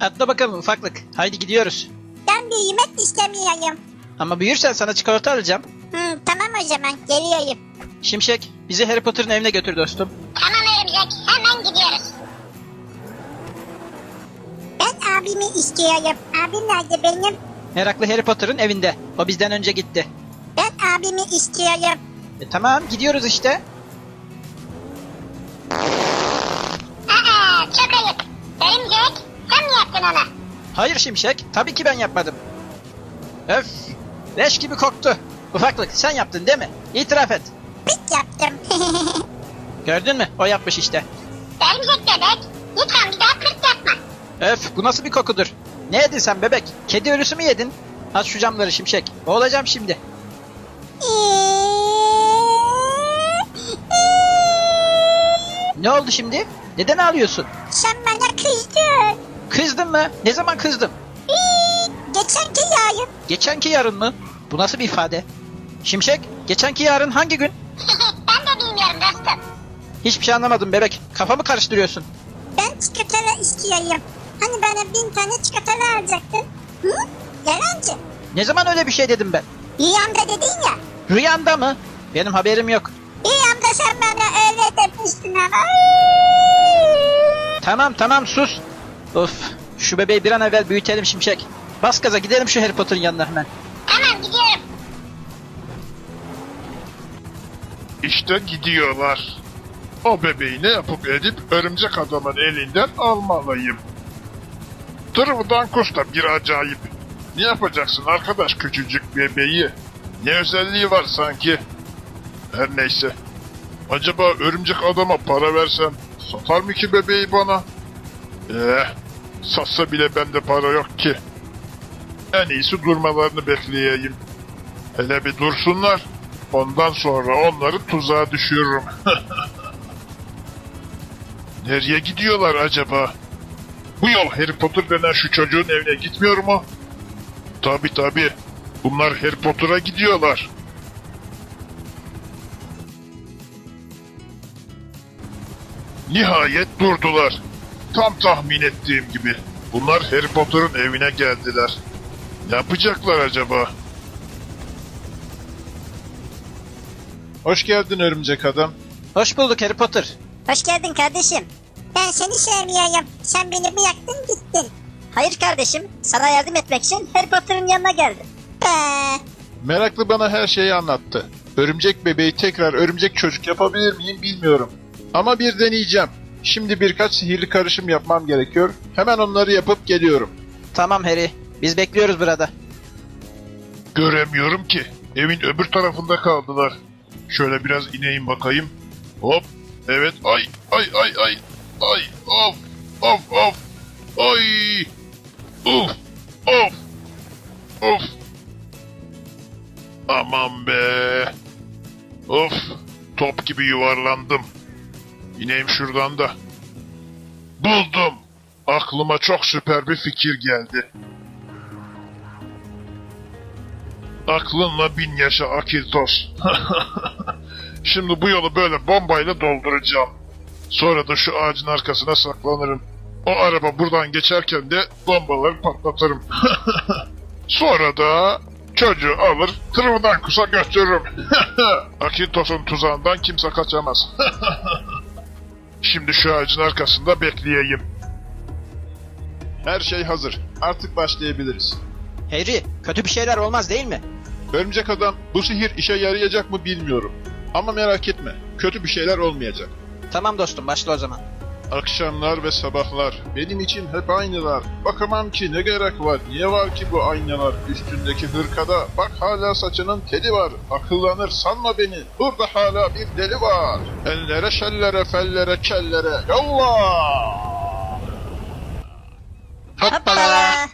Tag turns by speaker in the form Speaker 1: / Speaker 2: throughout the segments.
Speaker 1: Atla bakalım ufaklık. Haydi gidiyoruz.
Speaker 2: Ben büyümek istemiyorum.
Speaker 1: Ama büyürsen sana çikolata alacağım.
Speaker 2: Tamam o zaman geliyorum.
Speaker 1: Şimşek bizi Harry Potter'ın evine götür dostum.
Speaker 2: Tamam Örümcek, hemen gidiyoruz. Ben abimi istiyorum. Abim nerede benim?
Speaker 1: Meraklı Harry Potter'ın evinde. O bizden önce gitti.
Speaker 2: Ben abimi istiyorum.
Speaker 1: Tamam gidiyoruz işte.
Speaker 2: Çok ayıp. Örümcek, sen mi yaptın onu?
Speaker 1: Hayır Şimşek. Tabii ki ben yapmadım. Öf. Leş gibi koktu. Ufaklık sen yaptın değil mi? İtiraf et.
Speaker 2: Pik yaptım.
Speaker 1: Gördün mü? O yapmış işte.
Speaker 2: Örümcek bebek, lütfen bir daha pırt yapma.
Speaker 1: Öf bu nasıl bir kokudur? Ne yedin sen bebek? Kedi ölüsü mü yedin? Aç şu camları Şimşek. Boğulacağım şimdi. Ne oldu şimdi? Neden ağlıyorsun?
Speaker 2: Sen bana kızdın.
Speaker 1: Kızdın mı? Ne zaman kızdım?
Speaker 2: Geçenki yarın.
Speaker 1: Geçenki yarın mı? Bu nasıl bir ifade? Şimşek, geçenki yarın hangi gün?
Speaker 2: Ben de bilmiyorum dostum.
Speaker 1: Hiçbir şey anlamadım bebek. Kafamı karıştırıyorsun.
Speaker 2: Ben çikolata istiyorum. Hani bana 1000 tane çikolata alacaktın. Hı? Yalancı.
Speaker 1: Ne zaman öyle bir şey dedim ben?
Speaker 2: Rüyamda dedin ya.
Speaker 1: Rüyanda mı? Benim haberim yok.
Speaker 2: Rüyamda sen bana öyle demiştin ama.
Speaker 1: Tamam sus. Of, şu bebeği bir an evvel büyütelim Şimşek. Bas gaza gidelim şu Harry Potter'ın yanına hemen.
Speaker 2: Tamam gidiyorum.
Speaker 3: İşte gidiyorlar. O bebeği ne yapıp edip örümcek adamın elinden almalıyım. Tırvıdan da bir acayip. Ne yapacaksın arkadaş küçücük bebeği? Ne özelliği var sanki? Her neyse. Acaba örümcek adama para versem satar mı ki bebeği bana? Satsa bile bende para yok ki. En iyisi durmalarını bekleyeyim. Hele bir dursunlar. Ondan sonra onları tuzağa düşürürüm. Nereye gidiyorlar acaba? Bu yol Harry Potter denen şu çocuğun evine gitmiyor mu? Tabii. Bunlar Harry Potter'a gidiyorlar. Nihayet durdular. Tam tahmin ettiğim gibi. Bunlar Harry Potter'ın evine geldiler. Ne yapacaklar acaba? Hoş geldin örümcek adam.
Speaker 1: Hoş bulduk Harry Potter.
Speaker 2: Hoş geldin kardeşim. Ben seni sevmiyorum. Sen beni bıraktın gittin. Hayır kardeşim. Sana yardım etmek için Harry Potter'ın yanına geldim.
Speaker 3: Meraklı bana her şeyi anlattı. Örümcek bebeği tekrar örümcek çocuk yapabilir miyim bilmiyorum. Ama bir deneyeceğim. Şimdi birkaç sihirli karışım yapmam gerekiyor. Hemen onları yapıp geliyorum.
Speaker 1: Tamam Harry. Biz bekliyoruz burada.
Speaker 3: Göremiyorum ki. Evin öbür tarafında kaldılar. Şöyle biraz ineyim bakayım. Hop. Evet. Ay. Of. Ay. Of. Aman be. Of. Top gibi yuvarlandım. İneyim şuradan da. Buldum. Aklıma çok süper bir fikir geldi. Aklınla 1000 yaşa Akiltos. Şimdi bu yolu böyle bombayla dolduracağım. Sonra da şu ağacın arkasına saklanırım. O araba buradan geçerken de bombaları patlatırım. Sonra da çocuğu alır tırmından kusa götürürüm. Akiltos'un tuzağından kimse kaçamaz. Şimdi şu ağacın arkasında bekleyeyim. Her şey hazır. Artık başlayabiliriz.
Speaker 1: Harry, kötü bir şeyler olmaz değil mi?
Speaker 3: Örümcek adam, bu sihir işe yarayacak mı bilmiyorum. Ama merak etme, kötü bir şeyler olmayacak.
Speaker 1: Tamam dostum, başla o zaman.
Speaker 3: Akşamlar ve sabahlar benim için hep aynılar. Bakamam ki ne gerek var, niye var ki bu aynalar? Üstündeki hırkada bak hala saçının teli var. Akıllanır sanma beni, burada hala bir deli var. Ellere şellere fellere kellere yallah!
Speaker 2: Hoppala.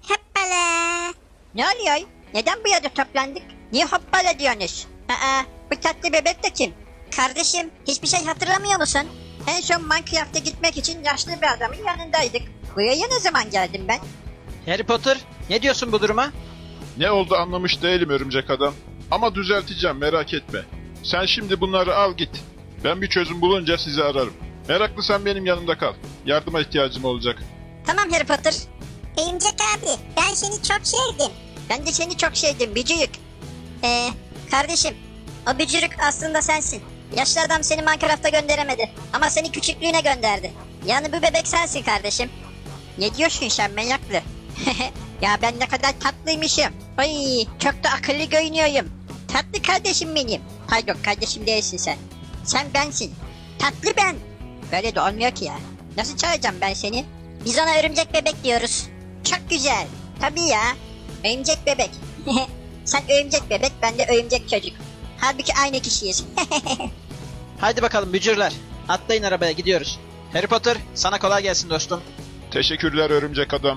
Speaker 2: Ne oluyor? Neden bu yerde toplandık? Niye hoppala diyorsunuz? Bu tatlı bebek de kim? Kardeşim, hiçbir şey hatırlamıyor musun? En son Minecraft'a gitmek için yaşlı bir adamın yanındaydık. Buraya ne zaman geldim ben?
Speaker 1: Harry Potter, ne diyorsun bu duruma?
Speaker 3: Ne oldu anlamış değilim örümcek adam. Ama düzelteceğim merak etme. Sen şimdi bunları al git. Ben bir çözüm bulunca sizi ararım. Meraklı sen benim yanımda kal. Yardıma ihtiyacım olacak.
Speaker 2: Tamam Harry Potter.
Speaker 4: Örümcek abi ben seni çok sevdim.
Speaker 2: Ben de seni çok sevdim bücürük. Kardeşim o bücürük aslında sensin. Yaşlı adam seni Minecraft'a gönderemedi. Ama seni küçüklüğüne gönderdi. Yani bu bebek sensin kardeşim. Ne diyorsun sen meraklı? Ya ben ne kadar tatlıymışım. Ay çok da akıllı görünüyorum. Tatlı kardeşim benim. Pardon kardeşim değilsin sen. Sen bensin. Tatlı ben. Böyle de olmuyor ki ya. Nasıl çağıracağım ben seni? Biz ona örümcek bebek diyoruz. Çok güzel. Tabii ya. Örümcek bebek. Sen örümcek bebek, ben de örümcek çocuk. Halbuki aynı kişiyiz.
Speaker 1: Haydi bakalım bücürler. Atlayın arabaya gidiyoruz. Harry Potter sana kolay gelsin dostum.
Speaker 3: Teşekkürler örümcek adam.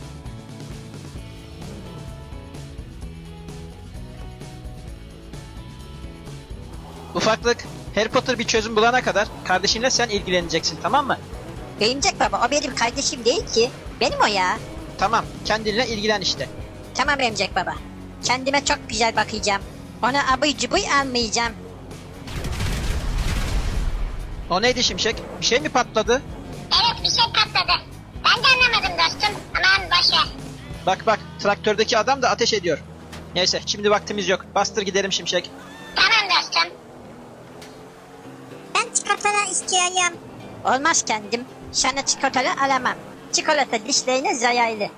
Speaker 1: Ufaklık, Harry Potter bir çözüm bulana kadar kardeşinle sen ilgileneceksin, tamam mı?
Speaker 2: Örümcek baba, o benim kardeşim değil ki. Benim o ya.
Speaker 1: Tamam, kendinle ilgilen işte.
Speaker 2: Tamam örümcek baba. Kendime çok güzel bakacağım. Ona abıy cubuy almayacağım.
Speaker 1: O neydi Şimşek? Bir şey mi patladı?
Speaker 4: Evet bir şey patladı. Ben de anlamadım dostum. Aman boşver.
Speaker 1: Bak bak, traktördeki adam da ateş ediyor. Neyse, şimdi vaktimiz yok. Bastır gidelim Şimşek.
Speaker 4: Tamam dostum. Ben çikolata istiyorum.
Speaker 2: Olmaz kendim. Sana çikolata alamam. Çikolata dişlerine zararlı.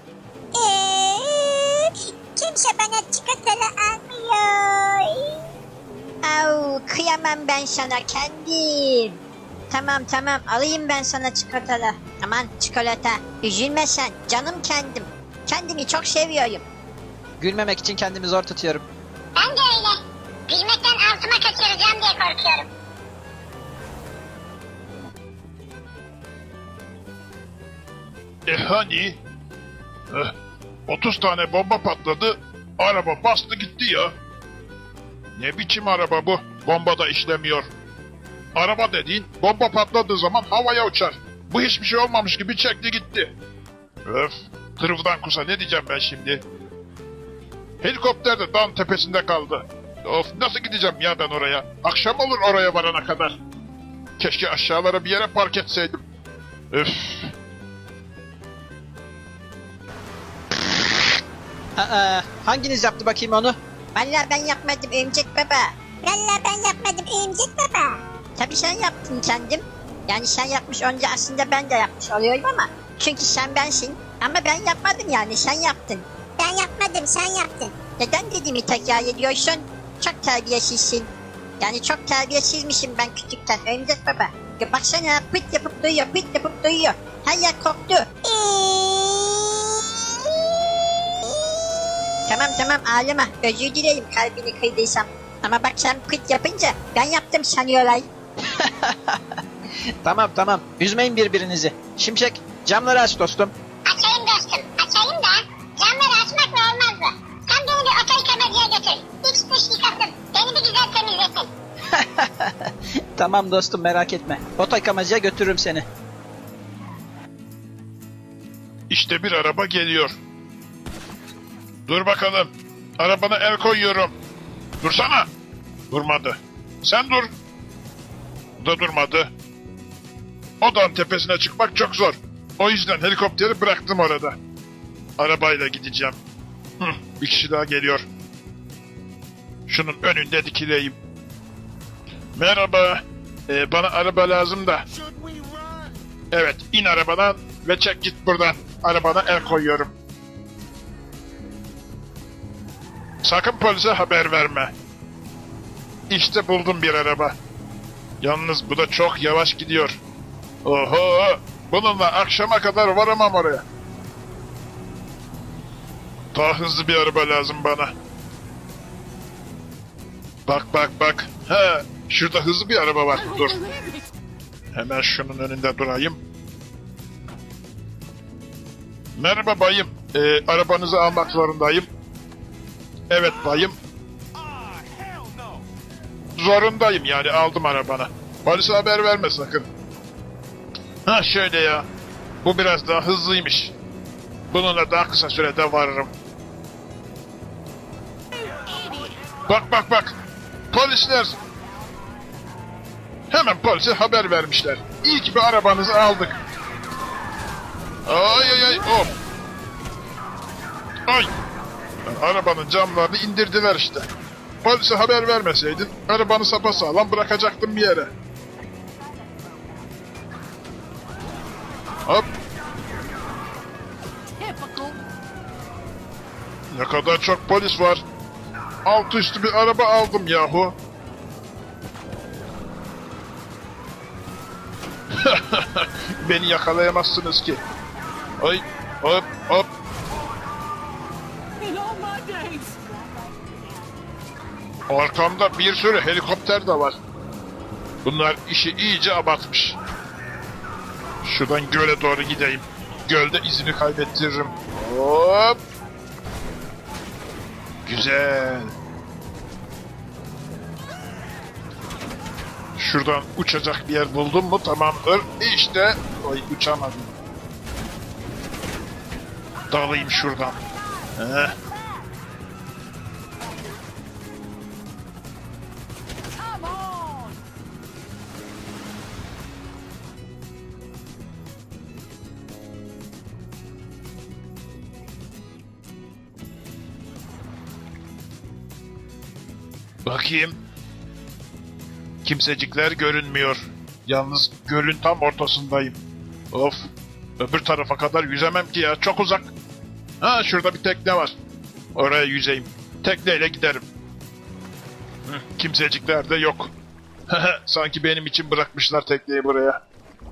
Speaker 4: Kimse bana çikolata almıyor.
Speaker 2: Au, kıyamam ben sana kendim. Tamam tamam, alayım ben sana çikolata. Aman çikolata, üzülme sen, canım kendim. Kendimi çok seviyorum.
Speaker 1: Gülmemek için kendimi zor tutuyorum.
Speaker 4: Ben de öyle. Gülmekten altıma kaçıracağım diye korkuyorum.
Speaker 3: Hani? 30 tane bomba patladı. Araba bastı gitti ya. Ne biçim araba bu? Bomba da işlemiyor. Araba dediğin bomba patladığı zaman havaya uçar. Bu hiçbir şey olmamış gibi çekti gitti. Öf. Tırıvdan kusa ne diyeceğim ben şimdi? Helikopter de dağın tepesinde kaldı. Of nasıl gideceğim ya ben oraya? Akşam olur oraya varana kadar. Keşke aşağılara bir yere park etseydim. Öf.
Speaker 1: Hanginiz yaptı bakayım onu?
Speaker 2: Vallahi ben yapmadım örümcek baba.
Speaker 4: Vallahi ben yapmadım örümcek baba.
Speaker 2: Tabii sen yaptın kendim. Yani sen yapmış önce aslında ben de yapmış oluyorum ama. Çünkü sen bensin. Ama ben yapmadım yani, sen yaptın.
Speaker 4: Ben yapmadım sen yaptın.
Speaker 2: Neden dediğimi tekrar ediyorsun? Çok terbiyesizsin. Yani çok terbiyesizmişim ben küçükten örümcek baba. Ya baksana pıt yapıp duyuyor, pıt yapıp duyuyor. Her yer koktu. Tamam tamam ağlama, özür dilerim kalbini kırdıysam. Ama bak sen pıt yapınca ben yaptım sanıyorlar.
Speaker 1: Tamam tamam, üzmeyin birbirinizi. Şimşek, camları aç dostum.
Speaker 4: Açayım dostum açayım da camları açmakla olmaz mı? Sen beni bir oto yıkamacıya götür. İç dış yıkasın. Beni bir güzel temizlesin.
Speaker 1: Tamam dostum, merak etme. Oto yıkamacıya götürürüm seni.
Speaker 3: İşte bir araba geliyor. Dur bakalım. Arabana el koyuyorum. Dursana. Durmadı. Sen dur. Bu da durmadı. O dağın tepesine çıkmak çok zor. O yüzden helikopteri bıraktım orada. Arabayla gideceğim. Bir kişi daha geliyor. Şunun önünde dikileyim. Merhaba. Bana araba lazım da. Evet, in arabadan ve çek git buradan. Arabana el koyuyorum. Sakın polise haber verme. İşte buldum bir araba. Yalnız bu da çok yavaş gidiyor. Oho! Bununla akşama kadar varamam oraya. Daha hızlı bir araba lazım bana. Bak bak bak. He, şurada hızlı bir araba var. Dur. Hemen şunun önünde durayım. Merhaba bayım. Arabanızı almak zorundayım. Evet bayım. Zorundayım yani aldım arabanı. Polise haber verme sakın. Ha şöyle ya. Bu biraz daha hızlıymış. Bununla daha kısa sürede varırım. Bak bak bak. Polisler. Hemen polise haber vermişler. İyi ki bir arabanızı aldık. Ay ay ay hop. Ay. Arabanın camlarını indirdiler işte. Polise haber vermeseydin arabanı sapasağlam bırakacaktım bir yere. Hop. Ne kadar çok polis var. Altı üstü bir araba aldım yahu. Beni yakalayamazsınız ki. Ay hop hop. Arkamda bir sürü helikopter de var. Bunlar işi iyice abartmış. Şuradan göle doğru gideyim. Gölde izini kaybettiririm. Hop. Güzel. Şuradan uçacak bir yer buldum mu tamamdır. İşte. Oy uçamadım. Dalayım şuradan. Heh. Bakayım. Kimsecikler görünmüyor. Yalnız gölün tam ortasındayım. Of. Öbür tarafa kadar yüzemem ki ya. Çok uzak. Ha şurada bir tekne var. Oraya yüzeyim. Tekneyle giderim. Kimsecikler de yok. Sanki benim için bırakmışlar tekneyi buraya.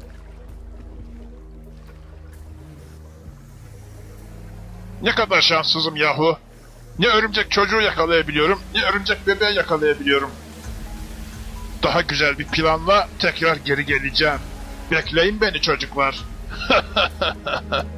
Speaker 3: Ne kadar şanssızım yahu. Ne örümcek çocuğu yakalayabiliyorum, ne örümcek bebeği yakalayabiliyorum. Daha güzel bir planla tekrar geri geleceğim. Bekleyin beni çocuklar.